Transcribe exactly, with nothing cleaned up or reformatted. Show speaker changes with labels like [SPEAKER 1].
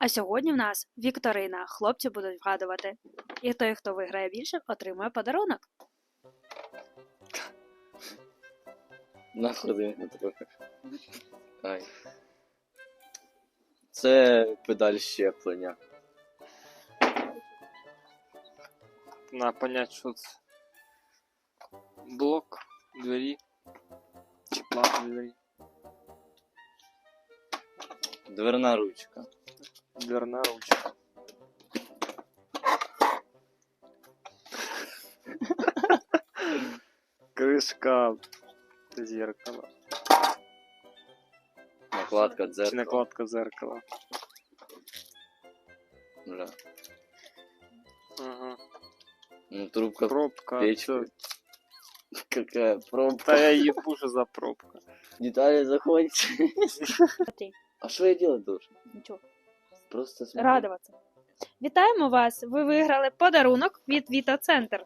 [SPEAKER 1] А сьогодні в нас вікторина. Хлопці будуть вгадувати. І той, хто виграє більше, отримує подарунок.
[SPEAKER 2] Нахуй не трохи. Ай. Це педаль щеплення.
[SPEAKER 3] На понять, що це. Блок двері. Чи плата двері.
[SPEAKER 2] Дверна ручка.
[SPEAKER 3] Дверна ручка. Кришка зеркала.
[SPEAKER 2] Накладка
[SPEAKER 3] Чи
[SPEAKER 2] дзеркала.
[SPEAKER 3] накладка зеркала.
[SPEAKER 2] Бля.
[SPEAKER 3] Ага.
[SPEAKER 2] Ну, трубка
[SPEAKER 3] Пробка.
[SPEAKER 2] печки.
[SPEAKER 3] Всё.
[SPEAKER 2] Какая пробка.
[SPEAKER 3] Та я ебу, що за пробка.
[SPEAKER 2] Детали заходят.
[SPEAKER 1] Ти.
[SPEAKER 2] А что я делать должен?
[SPEAKER 1] Нічого.
[SPEAKER 2] Просто смотреть.
[SPEAKER 1] Радуватися. Вітаємо вас! Ви виграли подарунок від Вітоцентр.